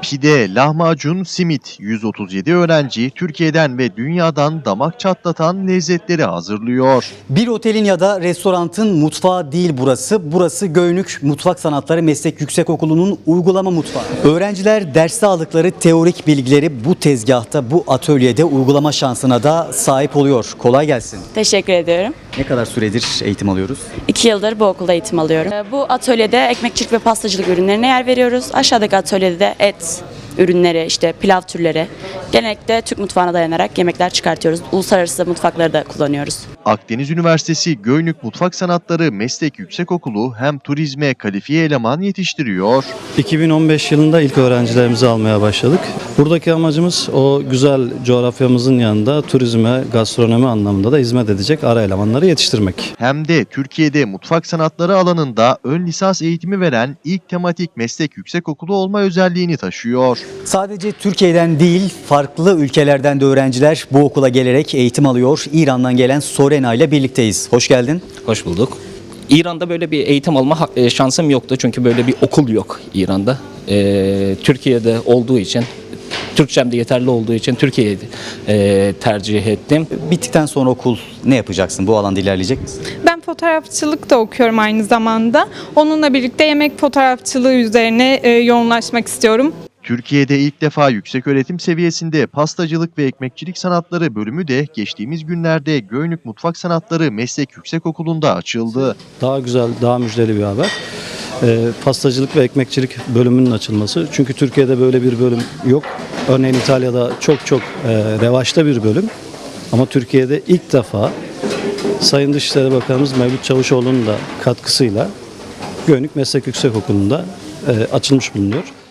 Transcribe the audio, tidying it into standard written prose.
Pide, lahmacun, simit. 137 öğrenci Türkiye'den ve dünyadan damak çatlatan lezzetleri hazırlıyor. Bir otelin ya da restoranın mutfağı değil burası. Burası Göynük Mutfak Sanatları Meslek Yüksekokulu'nun uygulama mutfağı. Öğrenciler derste aldıkları teorik bilgileri bu tezgahta, bu atölyede uygulama şansına da sahip oluyor. Kolay gelsin. Teşekkür ediyorum. Ne kadar süredir eğitim alıyoruz? 2 yıldır bu okulda eğitim alıyorum. Bu atölyede ekmekçilik ve pastacılık ürünlerine yer veriyoruz. Aşağıdaki atölyede de et ürünleri, işte pilav türleri. Genellikle Türk mutfağına dayanarak yemekler çıkartıyoruz. Uluslararası mutfakları da kullanıyoruz. Akdeniz Üniversitesi Göynük Mutfak Sanatları Meslek Yüksekokulu hem turizme kalifiye eleman yetiştiriyor. 2015 yılında ilk öğrencilerimizi almaya başladık. Buradaki amacımız o güzel coğrafyamızın yanında turizme, gastronomi anlamında da hizmet edecek ara elemanları yetiştirmek. Hem de Türkiye'de mutfak sanatları alanında ön lisans eğitimi veren ilk tematik meslek yüksekokulu olma özelliğini taşıyor. Sadece Türkiye'den değil, farklı ülkelerden de öğrenciler bu okula gelerek eğitim alıyor. İran'dan gelen Sorena ile birlikteyiz. Hoş geldin. Hoş bulduk. İran'da böyle bir eğitim alma şansım yoktu çünkü böyle bir okul yok İran'da. Türkiye'de olduğu için, Türkçem de yeterli olduğu için Türkiye'yi tercih ettim. Bittikten sonra okul ne yapacaksın? Bu alanda ilerleyecek misin? Ben fotoğrafçılık da okuyorum aynı zamanda. Onunla birlikte yemek fotoğrafçılığı üzerine yoğunlaşmak istiyorum. Türkiye'de ilk defa yükseköğretim seviyesinde pastacılık ve ekmekçilik sanatları bölümü de geçtiğimiz günlerde Göynük Mutfak Sanatları Meslek Yüksekokulu'nda açıldı. Daha güzel, daha müjdeli bir haber. Pastacılık ve ekmekçilik bölümünün açılması. Çünkü Türkiye'de böyle bir bölüm yok. Örneğin İtalya'da çok revaçta bir bölüm. Ama Türkiye'de ilk defa Sayın Dışişleri Bakanımız Mevlüt Çavuşoğlu'nun da katkısıyla Göynük Meslek Yüksekokulu'nda açılmış bulunuyor.